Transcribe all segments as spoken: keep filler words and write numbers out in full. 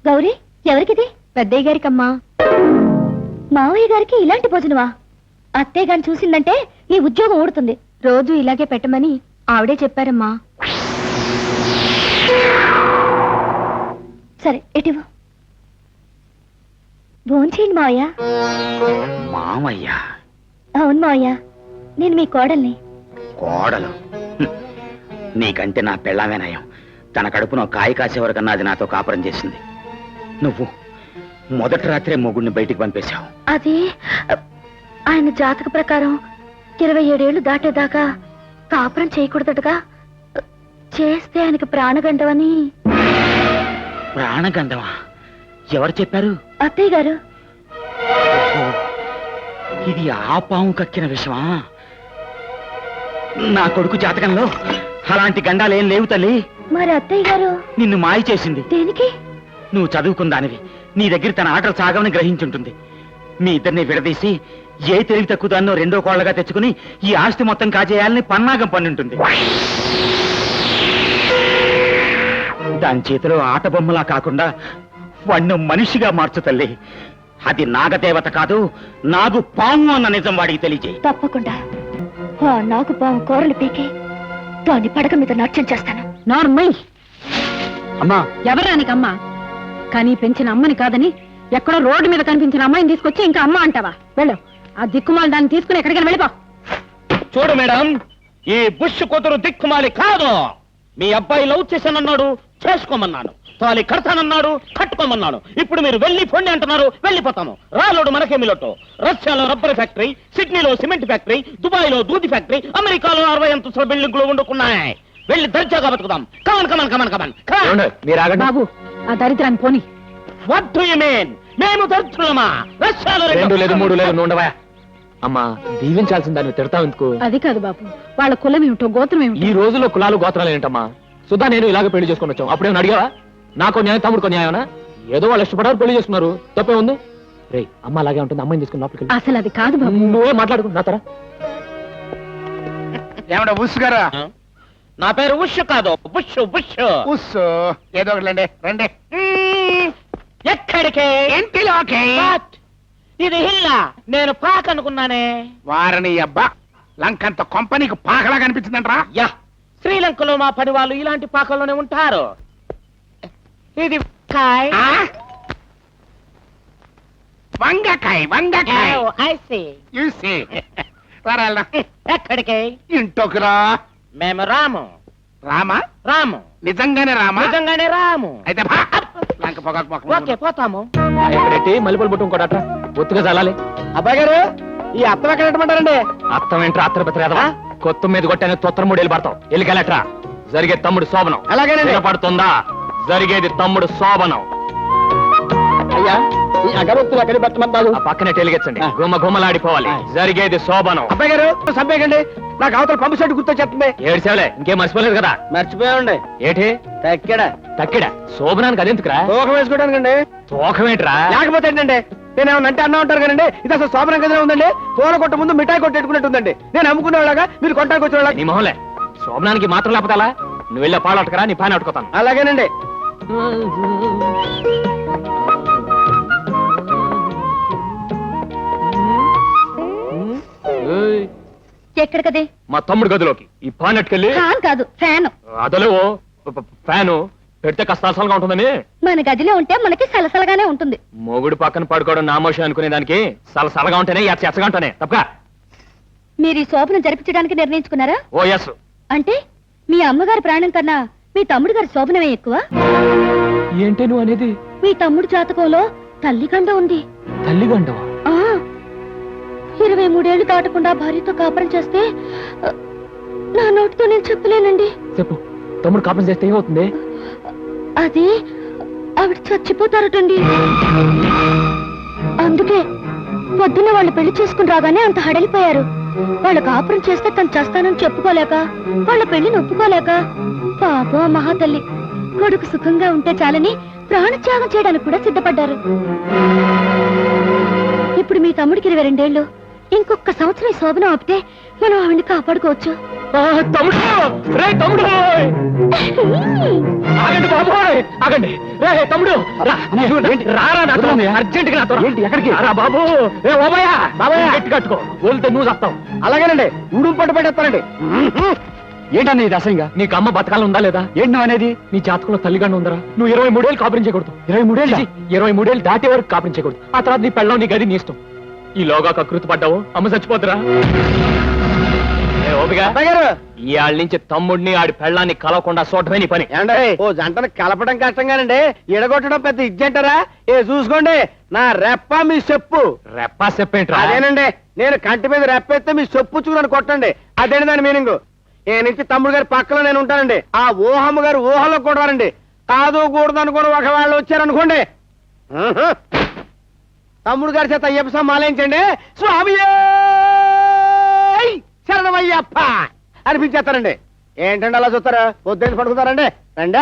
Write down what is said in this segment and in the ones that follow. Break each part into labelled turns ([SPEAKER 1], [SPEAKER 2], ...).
[SPEAKER 1] గౌరీ, ఎవరికిది? పెద్దయ్య గారికమ్మా. మావయ్య గారికి ఇలాంటి భోజనమా? అత్తయ్య గారిని చూసిందంటే ఈ ఉద్యోగం ఊడుతుంది. రోజు ఇలాగే పెట్టమని ఆవిడే చెప్పారమ్మా. సరే, ఎటివు భోంచేయండి మావయ్య.
[SPEAKER 2] మామయ్య?
[SPEAKER 1] అవును మావయ్య, నేను మీ కోడల్ని.
[SPEAKER 2] కోడలు? నీకంటే నా పెళ్ళామే నయం. తన కడుపున కాయ కాసే వరకన్నా అది నాతో కాపురం చేసింది. నువ్వు మొదటి రాత్రే మొగుడిని బయటికి పంపేశావు.
[SPEAKER 1] అది ఆయన జాతక ప్రకారం ఇరవై ఏడేళ్లు దాటేదాకా కాపురం చేయకూడదటగా. చేస్తే ఆయనకు ప్రాణగండవని.
[SPEAKER 2] ప్రాణగండమా? ఎవరు చెప్పారు?
[SPEAKER 1] అత్తయ్య గారు.
[SPEAKER 2] ఇది ఆ పాము కక్కిన విషమా? నా కొడుకు జాతకంలో అలాంటి గండాలేం లేవు తల్లి.
[SPEAKER 1] మరి అత్తయ్య గారు
[SPEAKER 2] నిన్ను మాయ చేసింది.
[SPEAKER 1] దేనికి?
[SPEAKER 2] నువ్వు చదువుకుందానివి, నీ దగ్గర తన ఆటలు సాగమని గ్రహించుంటుంది. మీ ఇద్దరిని విడదీసి ఏ తెలివి తక్కువ దాన్నో రెండో కోళ్లగా తెచ్చుకుని ఈ ఆస్తి మొత్తం కాజేయాలని పన్నాగం పన్నుంటుంది. దాని చేతిలో ఆట బొమ్మలా కాకుండా వాణ్ణి మనిషిగా మార్చు తల్లి. అది నాగదేవత కాదు, నాగు పాము అన్న నిజం వాడికి తెలియజేయి.
[SPEAKER 1] తప్పకుండా ఆ నాగు పాము కూరలు పీకి దాన్ని పడక మీద నాట్యం చేస్తాను.
[SPEAKER 3] నార్మల్
[SPEAKER 2] అమ్మా.
[SPEAKER 3] ఎవరానికమ్మా? కానీ పెంచిన అమ్మని కాదని ఎక్కడో రోడ్డు మీద కనిపించిన అమ్మాయిని తీసుకొచ్చి ఇంకా అమ్మ అంటావా? వెళ్ళు, ఆ దిక్కుమాలి దాన్ని తీసుకుని ఎక్కడికైనా వెళ్ళిపో.
[SPEAKER 4] చూడు మేడం, ఈ బుష్ కూతురు దిక్కుమాలి కాదు. మీ అబ్బాయి లవ్ చేశానన్నాడు, చేసుకోమన్నాను. తాలి కడతానన్నాడు, కట్టుకోమన్నాను. ఇప్పుడు మీరు వెళ్ళి పొండి అంటున్నారు, వెళ్ళిపోతాము. రాలోడు మనకేమిలోటో. రష్యాలో రబ్బర్ ఫ్యాక్టరీ, సిడ్నీలో సిమెంట్ ఫ్యాక్టరీ, దుబాయ్ లో దూది ఫ్యాక్టరీ, అమెరికాలో అరవై అంతస్తుల బిల్డింగ్లు వండుకున్నాయి. వెళ్ళి దర్జాగా బతుకుదాం. Come on come on come on come on.
[SPEAKER 3] బాబు, ఆ దరిద్రాన్ని పోని.
[SPEAKER 4] What do you mean? మేము దరిద్రులమా? రష్యాలో
[SPEAKER 5] రెండు లేదు మూడు లేదు నుండవా అమ్మా. దీవించాల్సిన దాన్ని తిడతావు ఎందుకు?
[SPEAKER 3] అది కాదు బాబు, వాళ్ళ కులం ఏమిటో గోత్రం ఏమిటో.
[SPEAKER 5] ఈ రోజుల్లో కులాలు గోత్రాలు ఏంటమ్మా? సుధా నేను ఇలాగ పెళ్లి చేసుకుని వచ్చాం. అప్పుడేమో అడిగావా? నాకో న్యాయం, తమ్ముడుకో న్యాయమనా? ఏదో వాళ్ళు ఇష్టపడారు, పెళ్లి చేసుకున్నారు. తప్పే ఉంది. రే, అమ్మ అలాగే ఉంటుంది. అమ్మాయిని తీసుకుని లోపలికి.
[SPEAKER 3] అసలు అది కాదు బాబు.
[SPEAKER 5] నువ్వే మాట్లాడుకు నా తర.
[SPEAKER 4] ఏమన్నా బుష్ గారా? నా పేరు ఉష్ కాదు, బుష్ బుష్ ఉష్. ఏదో ఒకటి రండి. ఎక్కడికే? ఇంటిలోకి. ఇది హిల్లా, నేను పాక అనుకున్నానే.
[SPEAKER 6] వారని అబ్బా, లంకంత కొంపనీకి పాకలా కనిపించిందంట్రా.
[SPEAKER 4] యా, శ్రీలంకలో మా పని వాళ్ళు ఇలాంటి పాకల్లోనే ఉంటారు. ఇది కాయ్.
[SPEAKER 6] వంగకాయ వంగకాయ.
[SPEAKER 4] Oh, I see.
[SPEAKER 6] You see. రారా.
[SPEAKER 4] ఎక్కడికి?
[SPEAKER 6] ఇంట్లోకి రా.
[SPEAKER 4] మేము రాము.
[SPEAKER 6] రామా?
[SPEAKER 4] రాము.
[SPEAKER 6] నిజంగానే రామా?
[SPEAKER 4] నిజంగానే రాము.
[SPEAKER 6] అయితే భా. లంక పొగకు పొగ.
[SPEAKER 4] ఓకే, పోతాము.
[SPEAKER 5] పెట్టి మల్లెపూలు పుట్టు ఇంకోట ఒత్తుగా చల్లాలి.
[SPEAKER 4] అబ్బాయి గారు, ఈ అత్తం ఎక్కడ పెట్టమంటారండి?
[SPEAKER 5] అర్థం ఏంట్రా? అత్తర బతిరేదవా? కొత్త మీద కొట్టాను తొత్తర మూడు వెళ్ళి పడతావు. వెళ్ళికెళ్ళట్రా. జరిగే తమ్ముడు శోభనం.
[SPEAKER 4] అలాగేనండి.
[SPEAKER 5] పడుతుందా? జరిగేది తమ్ముడు శోభనం.
[SPEAKER 4] అయ్యా, ఈ అగరొత్తులు ఎక్కడ పెట్టమంటారు?
[SPEAKER 5] ఆ పక్కనే టెలిగెచ్చండి. గుమ్మ గుమ్మలాడిపోవాలి. జరిగేది శోభనం.
[SPEAKER 4] అబ్బాయి గారు, సబ్బేకండి. నాకు అవతల పంపు సెట్ గుర్తొచ్చేస్తుంది.
[SPEAKER 5] ఏడు సేవలే, ఇంకేం మర్చిపోలేదు కదా?
[SPEAKER 4] మర్చిపోయామండి.
[SPEAKER 5] ఏటి
[SPEAKER 4] తక్కడ
[SPEAKER 5] తక్కిడ శోభనానికి అదెందుకురా?
[SPEAKER 4] తోకం వేసుకోవడానికండి.
[SPEAKER 5] తోకం ఏంట్రా?
[SPEAKER 4] లేకపోతే ఏంటండి, నేనేమన్నా అంటే అన్నా ఉంటారు కదండి. ఇది అసలు శోభనం గదిలో ఉందండి. పూల కొట్ట ముందు మిఠాయి కొట్టేట్టుకున్నట్టుందండి. నేను అమ్ముకునేవాళ్ళగా, మీరు కొట్టానికి వచ్చేవాళ్ళ.
[SPEAKER 5] నీ మొహంలే, శోభనానికి మాత్రం లేకపోతే అలా? నువ్వు వెళ్ళే పాలు అట్టుకరా, నీ పాని అట్టుకోతాను.
[SPEAKER 4] అలాగేనండి.
[SPEAKER 1] ఎక్కడికదే?
[SPEAKER 5] మా తమ్ముడు గదిలోకి. ఈ పాన్ అట్టుకెళ్ళి.
[SPEAKER 1] ఫ్యాన్ కాదు, ఫ్యాన్.
[SPEAKER 5] అదలో ఫ్యాను పెడితే కష్టాసలుగా ఉంటుందని.
[SPEAKER 1] మన గదిలో ఉంటే మనకి సలసలగానే ఉంటుంది.
[SPEAKER 5] మొగుడు పక్కన పడుకోవడం నామోషి అనుకునే దానికి సలసలగా ఉంటేనే ఎచ్చ ఎచ్చగా ఉంటానే తప్ప.
[SPEAKER 1] మీరు ఈ శోభను జరిపించడానికి నిర్ణయించుకున్నారా?
[SPEAKER 5] ఓ ఎస్.
[SPEAKER 1] అంటే మీ అమ్మగారి ప్రాణం కన్నా మీ తమ్ముడు గారి శోభనమే ఎక్కువ?
[SPEAKER 5] ఏంటే నువ్వు అనేది?
[SPEAKER 1] మీ తమ్ముడు జాతకంలో తల్లిగండ ఉంది.
[SPEAKER 5] తల్లిగండవా?
[SPEAKER 1] ఆ ఇరవై మూడేళ్లు దాటకుండా భార్యతో కాపురం చేస్తే నా నోటితో నేను చెప్పలేనండి.
[SPEAKER 5] చెప్పు, తమ్ముడు కాపురం చేస్తే ఏమవుతుంది?
[SPEAKER 1] అది ఆవిడ చచ్చిపోతారటండి. అందుకే పొద్దున్న వాళ్ళు పెళ్లి చేసుకుని రాగానే అంత హడలిపోయారు. వాళ్ళ కాపురం చేస్తే తను చేస్తానని చెప్పుకోలేక, వాళ్ళ పెళ్లిని ఒప్పుకోలేక, పాపం మహాతల్లి కొడుకు సుఖంగా ఉంటే చాలని ప్రాణత్యాగం చేయడానికి కూడా సిద్ధపడ్డారు. ఇప్పుడు మీ తమ్ముడికి ఇరవై రెండేళ్లు. ఇంకొక సంవత్సరం ఈ శోభనం ఆపితే మనం ఆవిడ్ని కాపాడుకోవచ్చు.
[SPEAKER 5] తమ్ముడు ఆగండి బాబోయ్ ఆగండి రే తమ్ముడు రా. రారా నాతో అర్జెంట్ గా నాతో ఏంటి ఎక్కడికి రా బాబు రే ఓబయ్య బాబాయ్ గట్టి కట్టుకో వదిలితే నువ్వు చస్తావు
[SPEAKER 6] అలాగేనండి ఉడుం పట్టు పెట్టేస్తానండి ఏంటన్నా ఇది అసహ్యంగా
[SPEAKER 5] నీకు అమ్మ బతకాలం ఉందా లేదా
[SPEAKER 6] ఏంటి నువ్వు అనేది
[SPEAKER 5] నీ జాతకంలో తల్లిగానే ఉందరా నువ్వు ఇరవై మూడేళ్ళు కాపురం చేయకూడదు
[SPEAKER 6] ఇరవై మూడేళ్ళ
[SPEAKER 5] ఛీ, ఇరవై మూడేళ్ళు దాటే వరకు కాపురం చేయకూడదు ఆ తర్వాత నీ పెళ్ళం నీ గది నీ ఇష్టం ఈలోగా కకృతి పడ్డావు అమ్మ చచ్చిపోతురా ఏ ఓపిగా
[SPEAKER 6] గారు
[SPEAKER 5] ఇవాళ నుంచి తమ్ముడిని ఆడి పెళ్ళాన్ని కలవకుండా చూడటమే నీ పని
[SPEAKER 6] ఏమండి ఓ జంటను కలపడం కష్టంగానండి ఎడగొట్టడం పెద్ద ఇజ్జంటారా ఏ చూసుకోండి నా రెప్ప మీ చెప్పు
[SPEAKER 5] రెప్పా చెప్పేంట్రా
[SPEAKER 6] అదేనండి నేను కంటి మీద రెప్పేస్తే మీ చెప్పుచ్చుకుని కొట్టండి అదేంటి దాని మీనింగ్ ఏ నుంచి తమ్ముడు గారి పక్కలో నేను ఉంటానండి ఆ ఊహమ్మ గారు ఊహలో కూడా రండి కాదు కూడదు అనుకుని ఒకవేళ వచ్చారనుకోండి ఆహా. తమ్ముడు గారి చేత అయ్యప్ప మాలేంచండి స్వామి శరణమయ్యప్ప అనిపించేస్తారండి ఏంటండి అలా చూస్తారా పొద్దున్న పడుకుతారండి రండి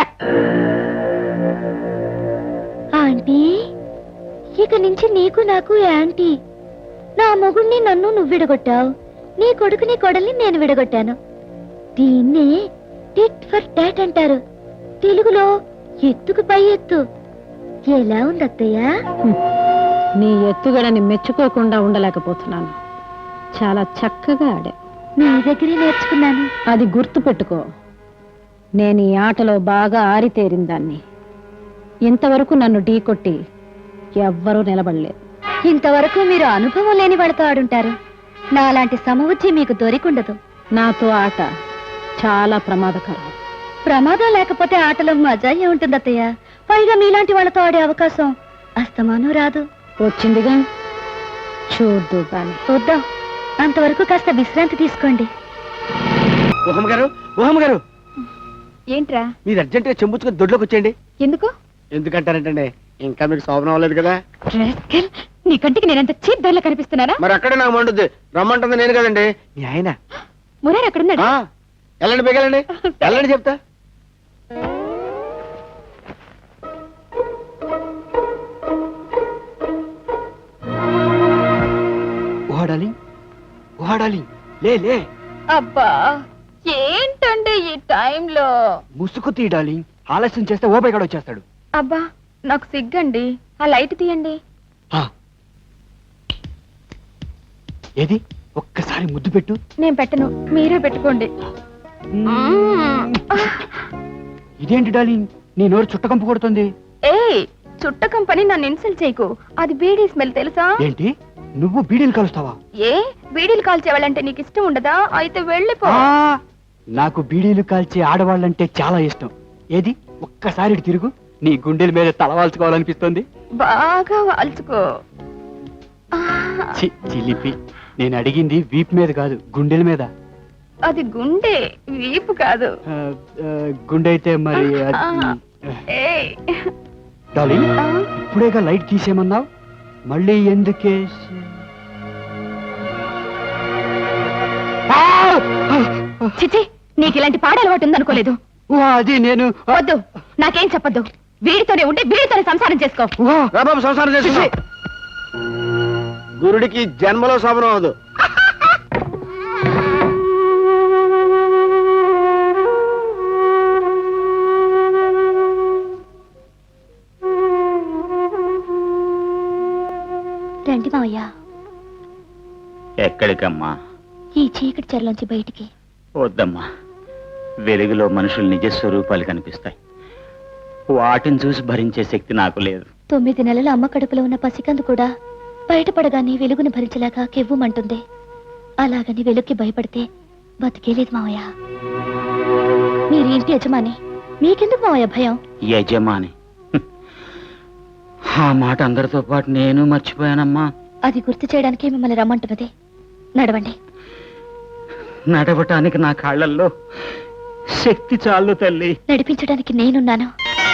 [SPEAKER 1] ఆంటీ ఇక నుంచి నీకు నాకు యాంటీ నా మొగుణ్ణి నన్ను నువ్వు విడగొట్టావు నీ కొడుకుని కొడల్ని నేను విడగొట్టాను దీన్నే టిట్ ఫర్ టాట్ అంటారు తెలుగులో ఎత్తుకు పై ఎత్తు ఎలా ఉంది అత్తయ్య
[SPEAKER 3] నీ ఎత్తుగడని మెచ్చుకోకుండా ఉండలేకపోతున్నాను చాలా చక్కగా ఆడా
[SPEAKER 1] నీ దగ్గరే నేర్చుకున్నాను
[SPEAKER 3] అది గుర్తు పెట్టుకో నేను ఈ ఆటలో బాగా ఆరితేరిన దాన్ని ఇంతవరకు నన్ను ఢీకొట్టి ఎవ్వరూ నిలబడలేదు
[SPEAKER 1] ఇంతవరకు మీరు అనుభవం లేని వాళ్ళతో ఆడుంటారు నాలాంటి సమబుద్ధి మీకు దొరికుండదు
[SPEAKER 3] నాతో ఆట చాలా ప్రమాదకరం
[SPEAKER 1] ప్రమాదం లేకపోతే ఆటలో మజా ఉంటుంది అత్తయ్య పైగా మీలాంటి వాళ్ళతో ఆడే అవకాశం అస్తమానం రాదు
[SPEAKER 3] వచ్చిందిగా చూద్దు గాని
[SPEAKER 1] వద్దాం అంతవరకు కాస్త విశ్రాంతి తీసుకోండి
[SPEAKER 6] ఊహమ్మ గారు ఊహమ్మ గారు
[SPEAKER 1] ఏంట్రా
[SPEAKER 6] మీరు అర్జెంట్ గా చెంబుచ్చుకొని దొడ్లోకి వచ్చేయండి
[SPEAKER 1] ఎందుకు
[SPEAKER 6] ఎందుకంటారంటండి ఇంకా మీకు శోభనం అవ్వలేదు కదా
[SPEAKER 1] నీ కంటికి నేనంత చీప్ ధరలో కనిపిస్తున్నారా
[SPEAKER 6] మరి అక్కడే నాకు మండుద్ది రమ్మంటుంది నేను కదండి మీ ఆయన
[SPEAKER 1] మురారు అక్కడున్నాడు
[SPEAKER 6] ఆ, వెళ్ళండి బిగలండి వెళ్ళండి చెప్తా ఓడాలి ఓడాలి లే లే
[SPEAKER 1] అబ్బా ఏంటండి ఈ టైంలో
[SPEAKER 6] ముసుగు తీయడాలి ఆలస్యం చేస్తే ఓపై కూడా వచ్చేస్తాడు
[SPEAKER 1] అబ్బా నాకు సిగ్గండి ఆ లైట్ తీయండి
[SPEAKER 6] ఆ. ఏది ఒక్కసారి ముద్దు పెట్టు
[SPEAKER 1] నేను పెట్టను మీరే పెట్టుకోండి
[SPEAKER 6] ఇదేంటి డార్లింగ్ నీ నోరు చుట్టకంపు కొడుతుంది
[SPEAKER 1] ఏ చుట్ట కంపెనీ నన్ను ఇన్సల్ట్ చేయకు అది బీడీ స్మెల్ తెలుసా
[SPEAKER 6] ఏంటి నువ్వు బీడీలు కలుస్తావా
[SPEAKER 1] ఏ బీడీలు కాల్చేవాళ్ళంటే నీకు ఇష్టం ఉండదా అయితే వెళ్ళిపో
[SPEAKER 6] ఆ, నాకు బీడీలు కాల్చే ఆడవాళ్ళంటే చాలా ఇష్టం ఏది ఒక్కసారి ఇటు తిరుగు నీ గుండెల మీద తలవాల్చుకోవాలనిపిస్తుంది
[SPEAKER 1] బాగా వాల్చుకో
[SPEAKER 6] చి, చిలిపి నేను అడిగింది వీపు మీద కాదు గుండెల మీద
[SPEAKER 1] అది గుండె వీపు కాదు
[SPEAKER 6] ఆ, ఆ, గుండె అయితే మరి అది-
[SPEAKER 1] ఏయ్.
[SPEAKER 6] డార్లింగ్
[SPEAKER 1] ఆ,
[SPEAKER 6] ఇప్పుడేగా లైట్ తీసేయమన్నావు మళ్ళీ ఎందుకే
[SPEAKER 1] చిచి నీకు ఇలాంటి పాడ అలవాటు ఉందనుకోలేదు
[SPEAKER 6] అది నేను
[SPEAKER 1] వద్దు నాకేం చెప్పొద్దు వీడితోనే ఉంటే వీడితోనే సంసారం చేసుకో
[SPEAKER 6] రాబాబు సంసారం చేసి గురుడికి జన్మలో శోభనం అవదు
[SPEAKER 1] రండి మావయ్య
[SPEAKER 2] ఎక్కడికమ్మా
[SPEAKER 1] ఈ చీకటి చెరలోంచి బయటికి
[SPEAKER 2] వద్దమ్మా వెలుగులో మనుషుల నిజ స్వరూపాలు కనిపిస్తాయి వాటిని చూసి భరించే శక్తి నాకు లేదు
[SPEAKER 1] తొమ్మిది నెలల అమ్మ కడుపులో ఉన్న పసికందు కూడా బయటపడగానే వెలుగుని భరించలేక కెవ్వుమంటుంది అలాగని వెలుగుకి భయపడితే బతికేలేదు మావయ్య మీరు ఇంటి యజమాని మీకెందుకు మావయ్య భయం
[SPEAKER 2] యజమాని హ్మ్. ఆ మాట అందరితో పాటు నేను మర్చిపోయానమ్మా
[SPEAKER 1] అది గుర్తు చేయడానికి మిమ్మల్ని రమ్మంటున్నది నడవండి
[SPEAKER 2] నడవటానికి నా కాళ్ళల్లో శక్తి చాలు తల్లి
[SPEAKER 1] నడిపించడానికి నేనున్నాను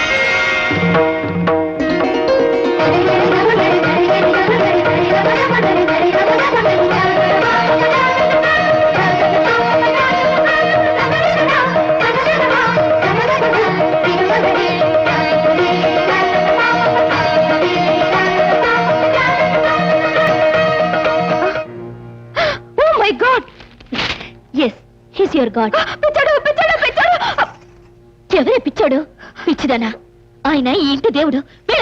[SPEAKER 1] Oh my God! Yes, he's your God. పిచ్చాడు పిచ్చాడు పిచ్చాడు ఎవరే పిచ్చాడు పిచ్చిదానా, ఆయన ఈ ఇంటి దేవుడు. వెళ్ళు.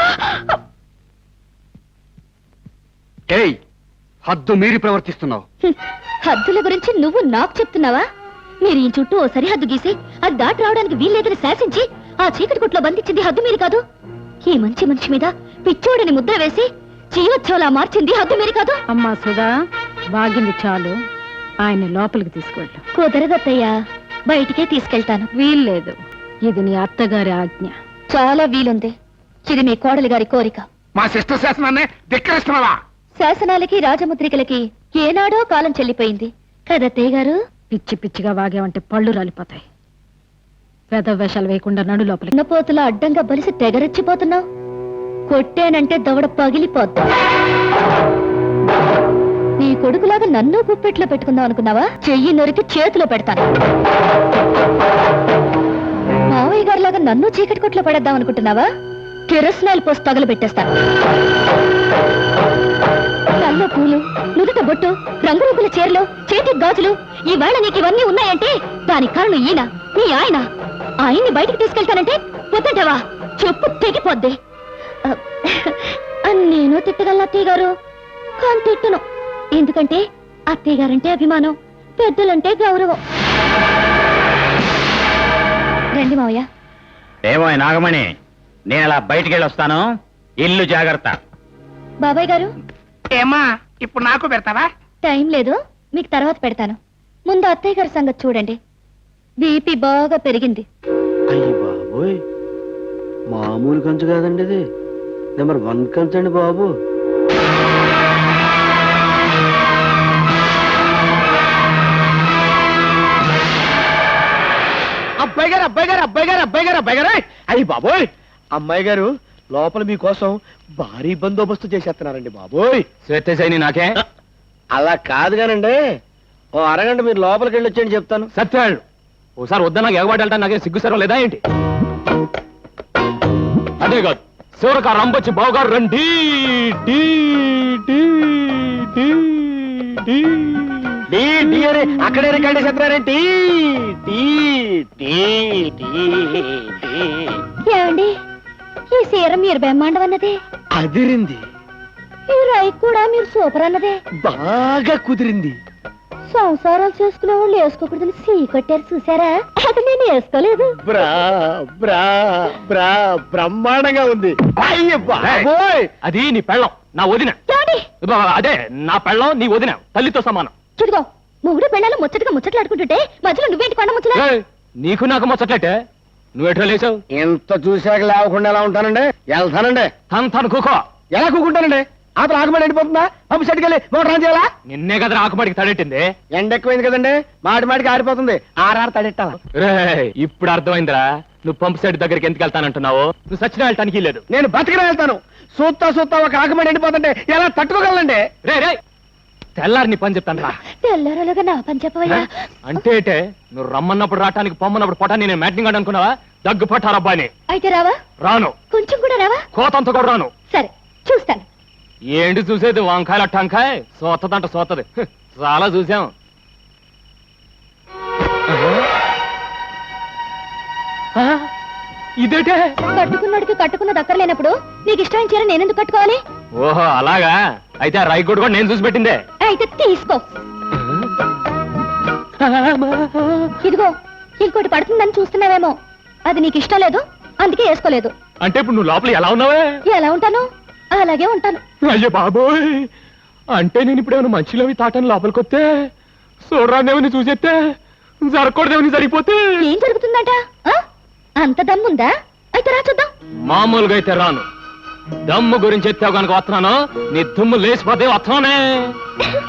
[SPEAKER 6] ఏయ్, హద్దు మీరి ప్రవర్తిస్తున్నావు.
[SPEAKER 1] హ్మ్. హద్దుల గురించి నువ్వు నాకు చెప్తున్నావా? మీరు ఈ చుట్టూ ఓ సరిహద్దు గీసి అది దాటి రావడానికి వీల్లేదని శాసించి ఆ చీకటి కొట్లో బంధించింది హద్దు మీరు కాదు. ఈ మంచి మనిషి మీద పిచ్చోడని ముద్ర వేసి జీవోత్సవలా మార్చింది హద్దు మీరు కాదు.
[SPEAKER 3] అమ్మా సుధా, బాగింది చాలు. ఆయన లోపలికి తీసుకెళ్ళు.
[SPEAKER 1] కుదరదత్తయ్యా, బయటికే తీసుకెళ్తాను.
[SPEAKER 3] వీల్లేదు, ఇది నీ అత్తగారి ఆజ్ఞ.
[SPEAKER 1] చాలా వీలుంది. ఇది మీ కోడలి గారి కోరిక.
[SPEAKER 6] మా సిస్టర్ శాసనాన్ని ధిక్కరిస్తున్నావా?
[SPEAKER 1] శాసనాలకి రాజముద్రికలకి ఏనాడో కాలం చెల్లిపోయింది కదత్తయ్య గారు.
[SPEAKER 3] పిచ్చి పిచ్చిగా వాగేవంటే పళ్ళు రాలిపోతాయి. పెద్ద వేషాలు వేయకుండా నడు లోపలికి.
[SPEAKER 1] ఉన్నపోతుల అడ్డంగా బలిసి తెగరెచ్చిపోతున్నావు. కొట్టేనంటే దవడ పగిలిపోద్దా. నీ కొడుకులాగా నన్ను గుప్పెట్లో పెట్టుకుందాం అనుకున్నావా? చెయ్యి నొరికి చేతిలో పెడతాను. మావయ్య గారిలాగా నన్ను చీకటి కొట్లో పడేద్దాం అనుకుంటున్నావా? కిరసనాయిల్ పోసి తగలు పెట్టేస్తాను. కల్లో పూలు, నుదుట బొట్టు, రంగురంగుల చీరలు, చేతి గాజులు, ఈవేళ నీకు ఇవన్నీ ఉన్నాయంటే దానికి కారణం ఈయన, నీ ఆయన. ఆయన్ని బయటికి తీసుకెళ్తానంటే వద్దంటావా? చెప్పు తెగిపోద్ది. నేను తిట్టగలను అత్తయ్య గారు, కానీ తిట్టను. ఎందుకంటే అత్తయ్య గారంటే అభిమానం, పెద్దలంటే గౌరవం. రండి మావయ్య.
[SPEAKER 2] ఏమో నాగమణి, నేను అలా బయటికి వెళ్ళొస్తాను. ఇల్లు జాగ్రత్త.
[SPEAKER 1] బాబాయ్ గారు,
[SPEAKER 6] ఏమా ఇప్పుడు నాకు పెడతావా?
[SPEAKER 1] టైం లేదు, మీకు తర్వాత పెడతాను. ముందు అత్తయ్య గారి సంగతి చూడండి. బీపీ బాగా పెరిగింది.
[SPEAKER 6] అయ్యి బాబోయ్, మామూలు కంచు కాదండి ఇది, నెంబర్ వన్ కంచు అండి బాబు. అబ్బాయి గారు అబ్బాయి గారు అబ్బాయి గారు అబ్బాయి గారు అబ్బాయి గారు అయ్యి బాబోయ్, అమ్మాయి గారు లోపల మీకోసం భారీ బందోబస్తు చేసేస్తున్నారండి బాబోయ్.
[SPEAKER 5] శ్వేతశైని నాకే
[SPEAKER 6] అలా కాదు కానండి, ఓ అరగంట మీరు లోపలికి వెళ్ళి వచ్చేయండి చెప్తాను.
[SPEAKER 5] సత్యాళ్ళు ఓసారి వద్దా నాకు ఎగబాటు వెళ్తాను. నాకేం సిగ్గు సర్వం లేదా ఏంటి? అదే కాదు, శివరక రంపొచ్చి బావగారు రండి. డీ, డీ, డీ, డీ.
[SPEAKER 6] టీ టీ అని అక్కడే రికార్డ్ చేస్తున్నారేంటి? Tea tea tea tea.
[SPEAKER 1] ఏమండి, ఈ సీర మీరు బ్రహ్మాండం అన్నదే,
[SPEAKER 6] అదిరింది,
[SPEAKER 1] ఈ రై కూడా మీరు సూపర్ అన్నదే.
[SPEAKER 6] బాగా కుదిరింది.
[SPEAKER 1] సంసారాలు చేసుకునే వాళ్ళు వేసుకోకూడదని సీ కొట్టారు చూసారా? అది నేను వేసుకోలేదు.
[SPEAKER 6] బ్రా బ్రా బ్రా బ్రహ్మాండంగా ఉంది. అయ్య బాబోయ్,
[SPEAKER 5] అది నీ పెళ్ళం, నా వదిన.
[SPEAKER 1] ఏమండి,
[SPEAKER 5] అదే నా పెళ్ళం, నీ వదిన, తల్లితో సమానం.
[SPEAKER 1] చూడుగో, మొగుడు పెళ్ళాలు ముచ్చటగా ముచ్చట్లాడుకుంటుంటే మధ్యలో నువ్వేంటి కొండ ముచ్చట?
[SPEAKER 5] ఏయ్, నీకు నాకు ముచ్చట్లయితే నువ్వెట్లా లేచావు?
[SPEAKER 6] ఎంత చూశాక లేవకుండా ఎలా ఉంటానండి? వెళ్తానండి.
[SPEAKER 5] తను కూకో.
[SPEAKER 6] ఎలా కూకుంటానండి? అతను ఆకుమడి ఎండిపోతుందా? పంపు సెట్కి వెళ్ళి మోటార్ ఆన్ చేయాలా?
[SPEAKER 5] నిన్నే కదా ఆకుమాడికి తడెట్టింది.
[SPEAKER 6] ఎండ ఎక్కువైంది కదండి, మాటి మాటికి ఆరిపోతుంది. ఆరారు తడెట్టాలా?
[SPEAKER 5] రేయ్, ఇప్పుడు అర్థమైందిరా నువ్వు పంపు సెట్ దగ్గరికి ఎందుకు వెళ్తానంటున్నావు. నువ్వు సచిన వెళ్ళటానికి లేదు.
[SPEAKER 6] నేను బతికిన వెళ్తాను. సూత్తా సూత్తా ఒక ఆకుమడి ఎండిపోతుంటే ఎలా తట్టుకోగలండి?
[SPEAKER 5] రే రే తెల్లారి నీ పని చెప్తాను రా.
[SPEAKER 1] తెల్లరలుగా నా పని చెప్పవయ్యా.
[SPEAKER 5] అంటే ఏటే, నువ్వు రమ్మన్నప్పుడు రావటానికి పొమ్మన్నప్పుడు పొటాన్ని నేను మ్యాటింగ్ ఆడు అనుకున్నావా? దగ్గు పట్టారబ్బాని.
[SPEAKER 1] అయితే రావా?
[SPEAKER 5] రాను.
[SPEAKER 1] కొంచెం కూడా రావా?
[SPEAKER 5] కోతంత కూడా రాను.
[SPEAKER 1] సరే, చూస్తాను.
[SPEAKER 5] ఏంటి చూసేది? వంకాయల టంకాయ సోతదంట సోతది. హ్, చాలా చూసాం. ఆ, ఇదేటే?
[SPEAKER 1] కట్టుకున్నాడికి కట్టుకున్న దక్కర్లేనప్పుడు నీకు ఇష్టమైన చీర నేనెందుకు కట్టుకోవాలి?
[SPEAKER 5] ఓహో అలాగా, అయితే ఆ రైకోడ్ కూడా నేను చూసి పెట్టిందే.
[SPEAKER 1] అయితే తీసుకో. ఇదిగో, ఇంకోటి పడుతుందని చూస్తున్నావేమో, అది నీకు ఇష్టం లేదు, అందుకే వేసుకోలేదు.
[SPEAKER 5] అంటే ఇప్పుడు నువ్వు లోపల ఎలా ఉన్నావే?
[SPEAKER 1] ఎలా ఉంటాను? అలాగే ఉంటాను.
[SPEAKER 5] అయ్యో బాబోయ్, అంటే నేను ఇప్పుడు ఏమైనా మంచిలోవి తాటని లోపలికి వస్తే చూడరాదేమని చూసేస్తే జరగకూడదేమని జరిగిపోతే
[SPEAKER 1] ఏం జరుగుతుందట? ఆ? అంత దమ్ముందా? అయితే రా చూద్దాం.
[SPEAKER 5] మామూలుగా అయితే రాను. దమ్ము గురించి ఎత్తావు కనుక వస్తున్నాను, నీ దుమ్ము లేచిపోతే వస్తున్నానే.